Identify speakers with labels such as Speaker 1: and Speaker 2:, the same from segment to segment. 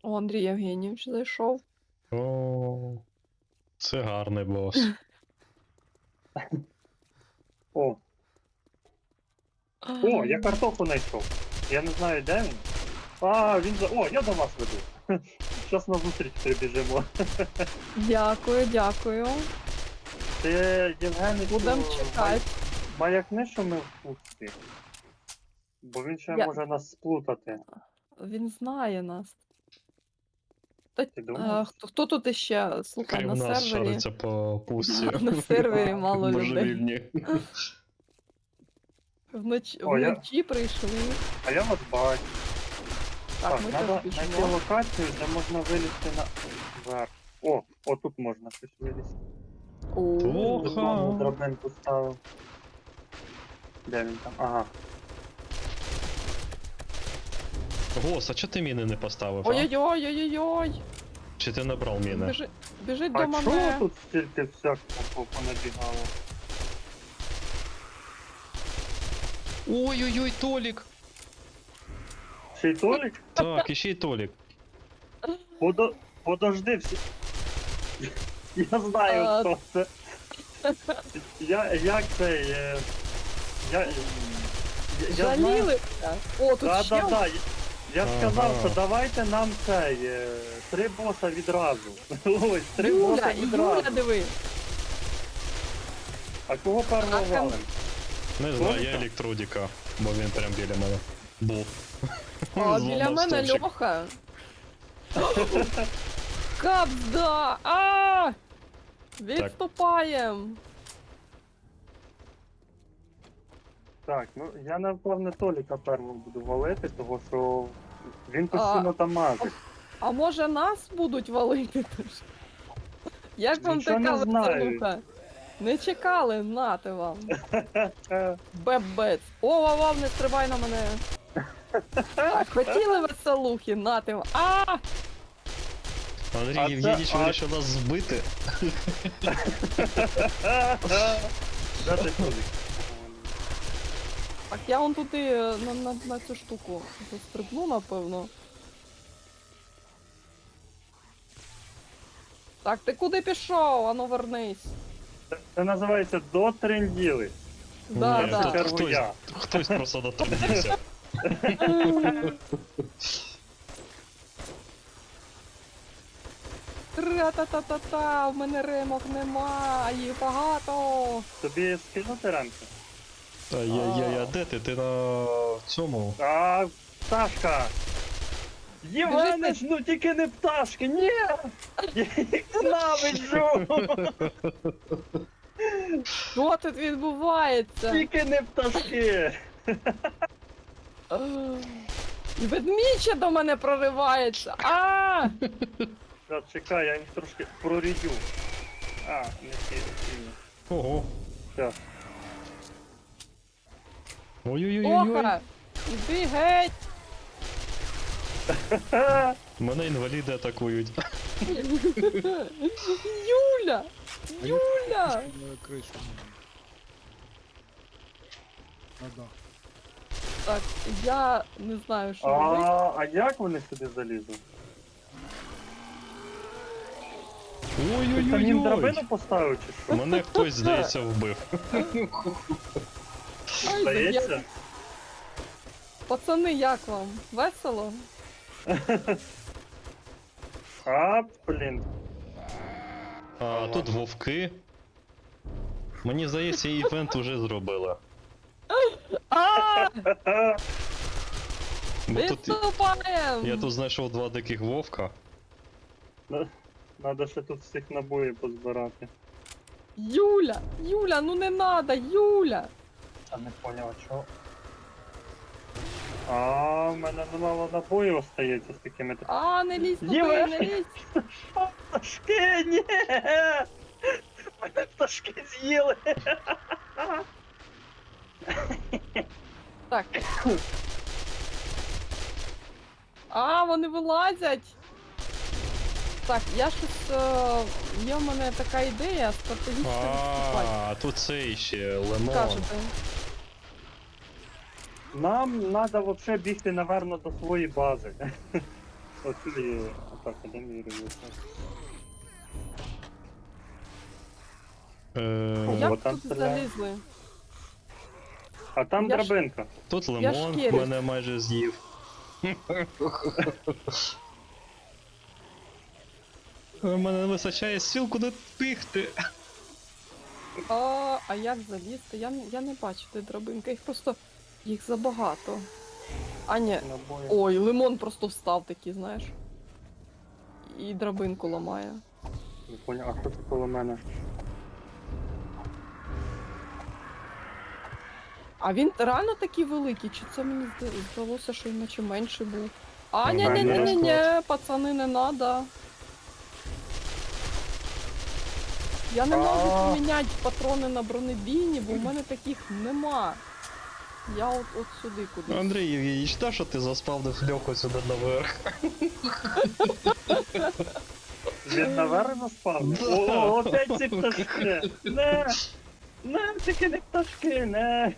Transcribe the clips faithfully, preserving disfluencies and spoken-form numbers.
Speaker 1: О, Андрій Євгенійович зайшов.
Speaker 2: О, це гарний бос.
Speaker 3: О, о, я картоху знайшов. Я не знаю, де він. А, він за. О, я до вас веду. Щас на зустріч прибіжимо.
Speaker 1: Дякую, дякую.
Speaker 3: Ти, Євгений,
Speaker 1: Будемо чекати.
Speaker 3: маякни, що ми в пустці. Бо він ще
Speaker 1: Я-
Speaker 3: може нас сплутати.
Speaker 1: Він знає нас. Та,
Speaker 3: Ти
Speaker 1: е,
Speaker 3: думаєш?
Speaker 1: хто, хто тут іще? Слухай,
Speaker 2: Крім
Speaker 1: на
Speaker 2: нас
Speaker 1: сервері.
Speaker 2: шариться по пусті.
Speaker 1: На сервері мало людей.
Speaker 2: Божевільні.
Speaker 1: Вночі,
Speaker 3: О, я-
Speaker 1: вночі прийшли.
Speaker 3: А я вас бачу.
Speaker 1: Так,
Speaker 3: Так,
Speaker 1: ми
Speaker 3: треба
Speaker 1: теж
Speaker 3: знайти
Speaker 1: біжимо.
Speaker 3: локацію, де можна вилізти на верх. О, отут можна щось вилізти.
Speaker 1: О,
Speaker 2: Ох.
Speaker 3: Знову драбинку ставив. Де він там? Ага.
Speaker 2: Гос, а чого ти міни не поставив? А?
Speaker 1: Ой-ой-ой, ой-ой-ой.
Speaker 2: Чи ти набрав міни?
Speaker 1: Біжи, біжить
Speaker 3: А
Speaker 1: до
Speaker 3: чого
Speaker 1: мене.
Speaker 3: тут стільки всякого по- понабігало?
Speaker 2: Ой-ой-ой, Толік!
Speaker 3: Ще й Толік?
Speaker 2: Так, іще й Толік.
Speaker 3: Подо... Подожди всі. Я знаю,
Speaker 1: А.
Speaker 3: хто це. Я, як це, е, я, я, я знаю.
Speaker 1: Жалілися. О, тут
Speaker 3: Да,
Speaker 1: ще.
Speaker 3: да, да. Я ж сказав,
Speaker 2: Ага.
Speaker 3: що давайте нам цей, е, три боса відразу. Ой, три боса
Speaker 1: Юля,
Speaker 3: відразу.
Speaker 1: Юля, диви.
Speaker 3: А кого першого
Speaker 1: А там-
Speaker 3: валим?
Speaker 2: Не знаю, я
Speaker 3: Толіка?
Speaker 2: електродіка, бо він прям біля мене. Був.
Speaker 1: А
Speaker 2: Зламав
Speaker 1: біля мене
Speaker 2: стовпчик.
Speaker 1: Льоха. Капда! А! Відступаєм!
Speaker 3: Так, ну я напевне Толіка першого буду валити, тому що він постійно там мазить.
Speaker 1: А може нас будуть валити теж? Як вам
Speaker 3: Нічого
Speaker 1: така
Speaker 3: не знаю.
Speaker 1: веселуха? Не чекали, нате вам.
Speaker 3: Е,
Speaker 1: Бебець. О, вав, не стрибай на мене. Так, хотіли веселухи, нате вам. А!
Speaker 2: Андрій
Speaker 3: А це-
Speaker 2: Євгенійович
Speaker 3: а-
Speaker 2: вирішив нас збити.
Speaker 3: Де ти Толік?
Speaker 1: Так я вон туди е, на, на, на цю штуку застрибну, напевно. Так, ти куди пішов? Ану вернись.
Speaker 3: Це називається дотренділи.
Speaker 1: Да,
Speaker 2: Ні,
Speaker 1: да.
Speaker 2: тут
Speaker 3: Чергу
Speaker 2: хтось,
Speaker 3: я.
Speaker 2: хтось просто доторкнувся.
Speaker 1: Тра-та-та-та-та, в мене ремок нема, їх багато.
Speaker 3: Тобі скинути рамки?
Speaker 2: Ай-яй-яй, а де ти? Ти на цьому?
Speaker 3: А, пташка! Євгенич, ну тільки не пташки, ні! Я їх ненавиджу!
Speaker 1: Що тут відбувається?
Speaker 3: Тільки не пташки!
Speaker 1: І ведмідь ще до мене проривається. А!
Speaker 3: Та, чекай, я їх трошки прорідю. А, не сильно.
Speaker 2: Ого.
Speaker 3: Все.
Speaker 2: Ой-ой-ой-ой.
Speaker 1: Оха! Іди геть!
Speaker 2: Мене інваліди атакують.
Speaker 1: Юля! Юля!
Speaker 4: На крышу. На дах.
Speaker 1: Так, я не знаю, що робити.
Speaker 3: А, а як вони сюди залізуть? Ти там їм
Speaker 2: Ой-ой-ой-ой.
Speaker 3: драбину поставив чи що?
Speaker 2: Мене хтось, здається, вбив.
Speaker 1: Ай,
Speaker 3: Здається?
Speaker 1: я- Пацани, як вам? Весело?
Speaker 3: А, блін.
Speaker 2: А тут вовки. Мені здається, івент уже зробила.
Speaker 1: А!
Speaker 2: Бо тут
Speaker 1: Відступаєм!
Speaker 2: я тут знайшов два диких вовка.
Speaker 3: Надо ще тут всіх набоїв позбирати.
Speaker 1: Юля! Юля, ну не надо, Юля!
Speaker 3: А не поняв, а чого? А, в мене немало набоїв остається з такими. тр-
Speaker 1: А, не лізь туди,
Speaker 3: Юля!
Speaker 1: не лізь!
Speaker 3: Пташки, ні! Мене пташки з'їли!
Speaker 1: Так. А, вони вилазять! Так, я щось. Е... Є в мене така ідея стратегічно відступати.
Speaker 2: А, тут це ще лимон.
Speaker 1: Кажете.
Speaker 3: Нам треба взагалі бігти, напевно, до своєї бази. Оцю є атака, де мій революція?
Speaker 2: Е,
Speaker 1: Як
Speaker 3: от там
Speaker 1: тут
Speaker 3: стріляє.
Speaker 1: залізли?
Speaker 3: А там
Speaker 1: Я ж-
Speaker 3: драбинка.
Speaker 2: Тут
Speaker 1: Я ж
Speaker 2: лимон
Speaker 1: кірю.
Speaker 2: мене майже з'їв. У мене не вистачає сил, куди бігти.
Speaker 1: А, а як залізти? Я, не- я не бачу, де драбинка. Їх просто. Їх забагато. А ні.
Speaker 3: Набої.
Speaker 1: Ой, лимон просто встав такий, знаєш. І драбинку ламає.
Speaker 3: Не поняв, а що це коло мене?
Speaker 1: А він реально такий великий, чи це мені зда- здалося, що він наче менший був? А, ні, ні, ні,
Speaker 3: Нормальний
Speaker 1: ні, ні,
Speaker 2: розклад.
Speaker 1: пацани, не надо. Я не можу
Speaker 3: А.
Speaker 1: поміняти патрони на бронебійні, бо в мене таких нема. Я от, от сюди кудись.
Speaker 2: Андрій Євгенійович, та що ти заспавнив льоху сюди наверх?
Speaker 3: Він наверх заспав?
Speaker 2: Да.
Speaker 3: О, опять ці пташки! Не! Не, тільки не пташки, не!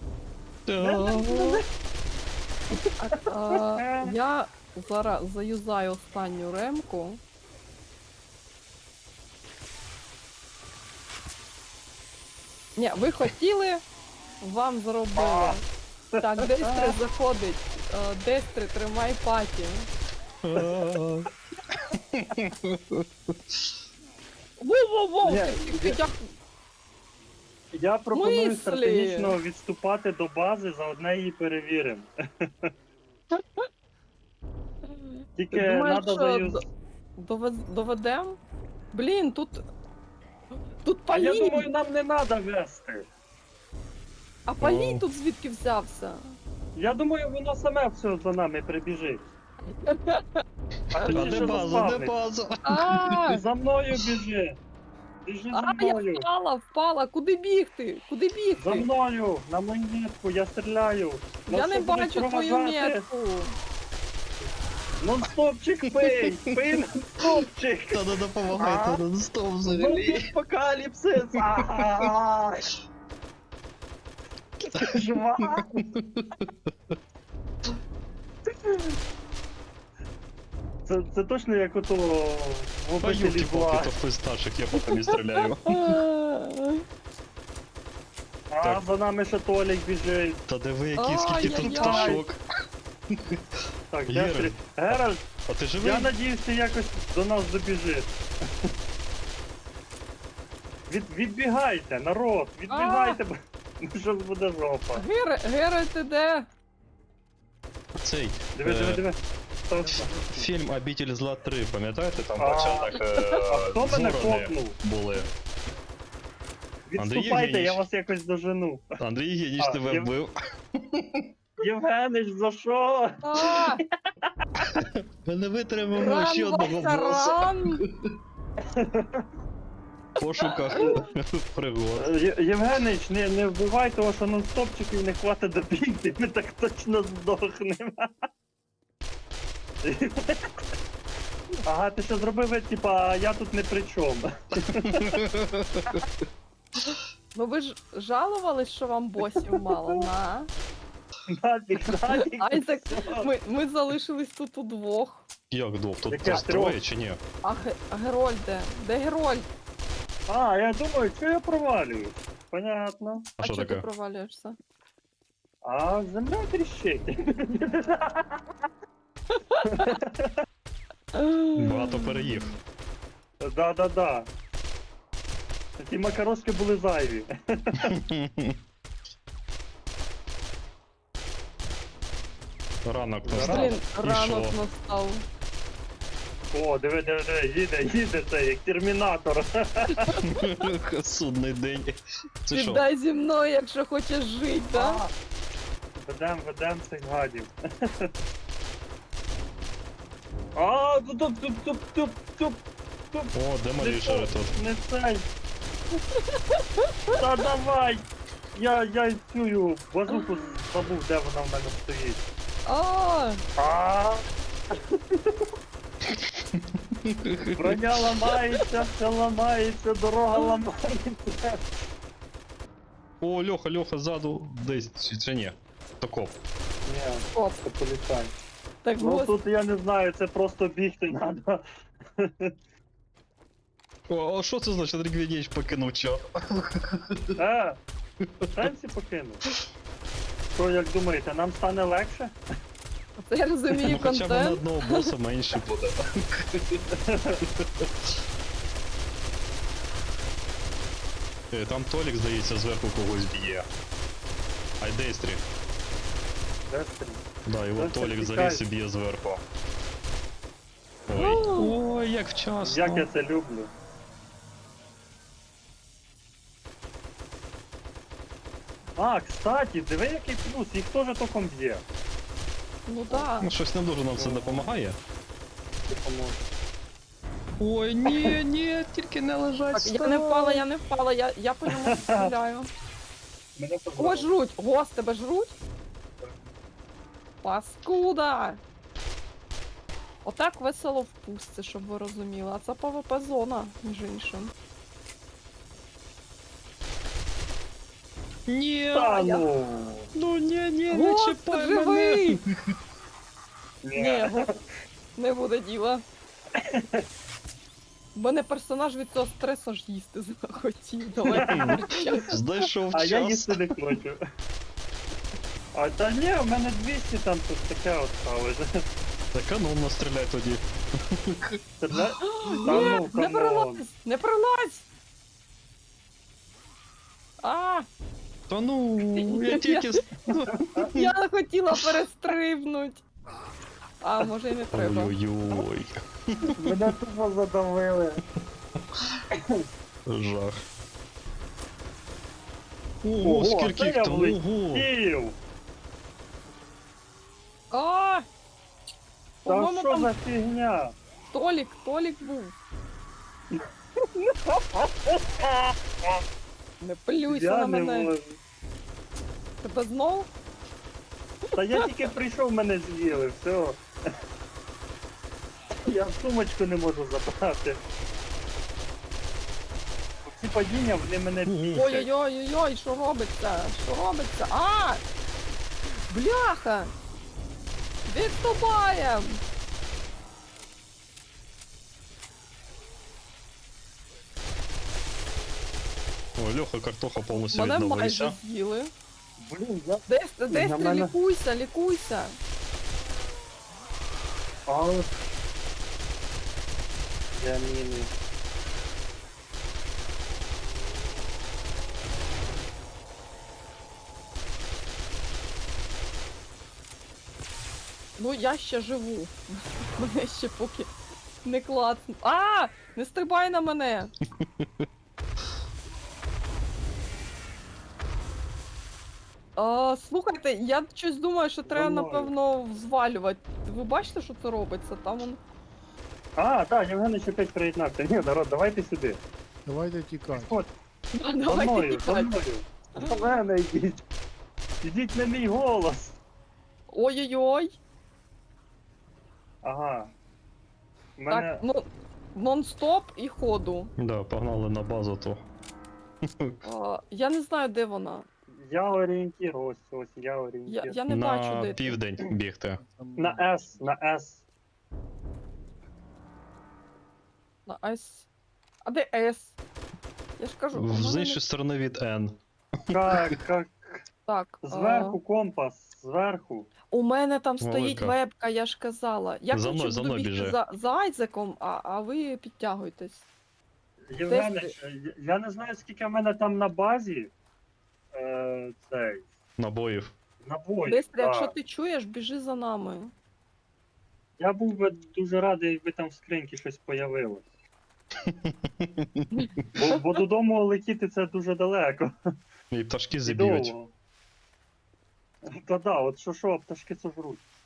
Speaker 1: А, я зараз заюзаю останню ремку. Ні, ви хотіли, вам зробили. Так, Дестри заходить. Е, Дестри, тримай паті. Воу-воу-воу!
Speaker 3: Ні,
Speaker 1: ти- ти- як-
Speaker 3: Я пропоную
Speaker 1: Мислі.
Speaker 3: стратегічно відступати до бази, заодне її перевіримо. Тільки
Speaker 1: Ти думаєш,
Speaker 3: треба
Speaker 1: що
Speaker 3: заюз...
Speaker 1: до- довез- доведем? Блін, тут. Тут
Speaker 3: А я
Speaker 1: палій!
Speaker 3: думаю, нам не треба вести.
Speaker 1: А палій
Speaker 2: О.
Speaker 1: тут звідки взявся?
Speaker 3: Я думаю, воно саме все за нами прибіжить. А
Speaker 2: А
Speaker 3: точніше
Speaker 2: де база, де
Speaker 3: заспавнить.
Speaker 2: база?
Speaker 1: А,
Speaker 3: За мною біжи. Біжи за
Speaker 1: а, я
Speaker 3: мною.
Speaker 1: впала, впала. Куди бігти? Куди
Speaker 3: За
Speaker 1: бігти?
Speaker 3: мною, на монетку, я стріляю.
Speaker 1: Я
Speaker 3: Нас
Speaker 1: не
Speaker 3: що, будуть
Speaker 1: бачу твою
Speaker 3: проважати?
Speaker 1: метку.
Speaker 3: Нон-стопчик пий! Пий нон-стопчик!
Speaker 2: Та не допомагайте, не стоп взагалі.
Speaker 3: Апокаліпсис! Ай! Жива! Це, це точно як ото в
Speaker 2: Та
Speaker 3: обителі
Speaker 2: юлки
Speaker 3: зла.
Speaker 2: поки то хтось старших, я поки не стріляю.
Speaker 3: А
Speaker 2: Так.
Speaker 3: за нами ще Толік біжить.
Speaker 2: Та диви, які скільки тут
Speaker 1: Ай-яй-яй.
Speaker 2: пташок.
Speaker 3: Так,
Speaker 2: Геральт.
Speaker 3: Дестрі. Геральт,
Speaker 2: А ти живий?
Speaker 3: я надіюсь, ти якось до нас добіжиш. Від, відбігайте, народ, відбігайте, бо щось буде жопа.
Speaker 1: Гере, Гере, ти де?
Speaker 2: Цей.
Speaker 3: Диви,
Speaker 2: е,
Speaker 3: диви, диви. Хто-
Speaker 2: Фільм «Обитель зла три», пам'ятаєте, там
Speaker 3: А,
Speaker 2: початок
Speaker 3: А хто мене
Speaker 2: зорони
Speaker 3: копнув?
Speaker 2: були. Андрій
Speaker 3: Відступайте, я
Speaker 2: Євгенійович.
Speaker 3: вас якось дожену.
Speaker 2: Андрій Євгенійович
Speaker 3: А,
Speaker 2: тебе
Speaker 3: Єв-
Speaker 2: вбив.
Speaker 3: Євгенич, за що?
Speaker 1: А,
Speaker 2: Ми не витримаємо
Speaker 1: ран,
Speaker 2: ще одного
Speaker 1: Вася,
Speaker 2: боса
Speaker 1: ран!
Speaker 2: в пошуках пригод.
Speaker 3: Е, Є- Євгенич, не, не вбивай того, що нон-стопчиків не хватить добігти, ми так точно здохнемо. Ага, ти що зробив, типа, я тут не при чому.
Speaker 1: Ну ви ж жалувались, що вам босів мало, на.
Speaker 3: Нафіг, нафіг.
Speaker 1: Айзек,
Speaker 3: все.
Speaker 1: ми, ми залишились тут удвох.
Speaker 2: Як дов? Тут
Speaker 3: Яке
Speaker 2: нас
Speaker 3: трьох?
Speaker 2: троє чи ні?
Speaker 1: А, Ге- а Герольд де? Де Герольд?
Speaker 3: А, я думаю, що я провалююсь. Понятно.
Speaker 2: А
Speaker 1: А
Speaker 2: що
Speaker 1: чого ти
Speaker 2: таке?
Speaker 1: провалюєшся?
Speaker 3: А земля тріщить.
Speaker 2: Багато переїв.
Speaker 3: Да-да-да. Ті макарошки були зайві.
Speaker 2: Ранок
Speaker 3: Блін,
Speaker 2: настав.
Speaker 1: Блін,
Speaker 2: І
Speaker 1: ранок
Speaker 2: що?
Speaker 1: настав.
Speaker 3: О, диви, диви, диви, їде, їде це, як термінатор.
Speaker 2: Судний день. Це що?
Speaker 1: Піддай зі мною, якщо хочеш жити, да?
Speaker 3: А, Ведем, ведем цих гадів. А, туп, туп, туп, туп, туп, туп, туп.
Speaker 2: О, де Маріша тут?
Speaker 3: Не цей. Та давай. Я, я цю базуку забув, де вона в мене стоїть.
Speaker 1: А,
Speaker 3: А. Броня ламається, все ламається, дорога ламається.
Speaker 2: О, Льоха, Льоха, ззаду десь, чи- чи ні? То коп.
Speaker 3: Ні,
Speaker 1: оп.
Speaker 3: це поліцай.
Speaker 1: Так
Speaker 3: Ну
Speaker 1: ось.
Speaker 3: тут я не знаю, це просто бігти треба.
Speaker 2: О, а що це значить, Рігвінєч покинув чат?
Speaker 3: Е, сенсі покинув. Що, як думаєте, нам стане легше?
Speaker 1: Це я розумію
Speaker 2: Ну хоча б на
Speaker 1: контент.
Speaker 2: одного боса менше буде. Е, Там Толік, здається, зверху когось б'є. Айдестрі.
Speaker 3: Дестрі.
Speaker 2: Да, його
Speaker 3: Це
Speaker 2: Толік
Speaker 3: тікай.
Speaker 2: заліз і б'є зверху. Ой. Ой, як вчасно.
Speaker 3: Як я це люблю. А, кстати, диви який плюс, їх теж током б'є.
Speaker 1: Ну так.
Speaker 2: Ну, щось не дуже нам це допомагає.
Speaker 3: Допоможе.
Speaker 2: Ой, ні, ні, тільки не лежать.
Speaker 1: Так, я не впала, я не впала, я, я по ньому стріляю.
Speaker 3: Мене
Speaker 1: О,
Speaker 3: позвали.
Speaker 1: жруть! Гос, тебе жруть? Паскуда! Отак весело в пустці, щоб ви розуміли. А це ПВП зона, між іншим.
Speaker 2: Ні,
Speaker 3: Та
Speaker 1: я-
Speaker 3: ну.
Speaker 2: ну ні, ні, не
Speaker 1: Гос,
Speaker 2: чіпай
Speaker 1: ти
Speaker 2: мене.
Speaker 1: живий!
Speaker 3: Ні.
Speaker 1: Ні, Гос, не буде діла. У мене персонаж від цього стресу ж їсти захотів. Давайте кричати.
Speaker 2: Знайшов
Speaker 3: А я
Speaker 2: час.
Speaker 3: їсти не хочу. А та ні, у мене двісті там тут таке от сталося.
Speaker 2: Та канонно стріляй тоді.
Speaker 3: Стріляй? Та
Speaker 1: Ні,
Speaker 3: ну,
Speaker 1: не
Speaker 3: камон.
Speaker 1: пролазь! Не пролазь! А,
Speaker 2: Та ну, я тільки... с- ну.
Speaker 1: я хотіла перестрибнуть. А, може і не треба.
Speaker 2: Ой-ой-ой.
Speaker 3: Мене тупо задавили.
Speaker 2: Жах.
Speaker 3: Ого,
Speaker 2: Ого,
Speaker 3: це
Speaker 2: скільки
Speaker 3: я
Speaker 2: їх там, ого.
Speaker 3: влетів.
Speaker 1: А!
Speaker 3: Та
Speaker 1: По-моєму,
Speaker 3: що
Speaker 1: там
Speaker 3: за фігня?
Speaker 1: Толік, Толік був. Не плюйся
Speaker 3: Я
Speaker 1: на
Speaker 3: не
Speaker 1: мене.
Speaker 3: можу.
Speaker 1: Тебе знов?
Speaker 3: Та я тільки прийшов, мене з'їли, все. Я сумочку не можу забрати. Ці падіння, вони мене бісять.
Speaker 1: Ой-ой-ой-ой, що робиться? Що робиться? А! Бляха! Відступаєм!
Speaker 2: О, Льоха, картоха повністю
Speaker 1: Мене майже
Speaker 2: відновився.
Speaker 1: з'їли.
Speaker 3: Блін, я...
Speaker 1: Десь, десь
Speaker 3: На
Speaker 1: ти
Speaker 3: мене-
Speaker 1: лікуйся, лікуйся.
Speaker 3: А... Я міни.
Speaker 1: Ну я ще живу. Мене ще поки не клацну. А! Не стрибай на мене! А, слухайте, я щось думаю, що треба,
Speaker 3: Воно.
Speaker 1: напевно, звалювати. Ви бачите, що це робиться? Там он.
Speaker 3: А, так, Євгенович опять приєднався. Ні, народ, давайте сюди.
Speaker 4: Давайте тікати.
Speaker 3: От, за
Speaker 1: Давайте
Speaker 3: мною, за
Speaker 1: тікати.
Speaker 3: мною. До мене йдіть. Ідіть на мій голос.
Speaker 1: Ой-ой-ой.
Speaker 3: Ага. У мене...
Speaker 1: Так, ну, нон-стоп і ходу.
Speaker 2: Да, погнали на базу то.
Speaker 1: А, я не знаю, де вона.
Speaker 3: Я орієнтір, ось, ось, я
Speaker 1: Я,
Speaker 3: орієнтір.
Speaker 1: я не бачу,
Speaker 2: На
Speaker 1: де ти.
Speaker 2: південь бігти.
Speaker 4: Там
Speaker 3: На С, на С.
Speaker 1: На С. А де С? Я ж кажу, у мене
Speaker 2: З
Speaker 1: не-
Speaker 2: іншої сторони від N.
Speaker 3: Как, как,
Speaker 1: так. а,
Speaker 3: зверху компас, зверху.
Speaker 1: У мене там стоїть
Speaker 2: Велика.
Speaker 1: вебка, я ж казала. Я
Speaker 2: За
Speaker 1: коротше,
Speaker 2: мною, за
Speaker 1: буду
Speaker 2: мною
Speaker 1: бігти
Speaker 2: біжи.
Speaker 1: за, за Айзеком, а, а ви підтягуйтесь.
Speaker 3: Євгенович, я- я не знаю, скільки в мене там на базі. Е, цей.
Speaker 2: Набоїв.
Speaker 3: Набої.
Speaker 1: Дестрі,
Speaker 3: да.
Speaker 1: якщо ти чуєш, біжи за нами.
Speaker 3: Я був би дуже радий, якби там в скриньки щось появилось. Бо, бо додому летіти це дуже далеко.
Speaker 2: І пташки
Speaker 3: І
Speaker 2: зіб'ють.
Speaker 3: довго. Та да, от що що, пташки це жруть.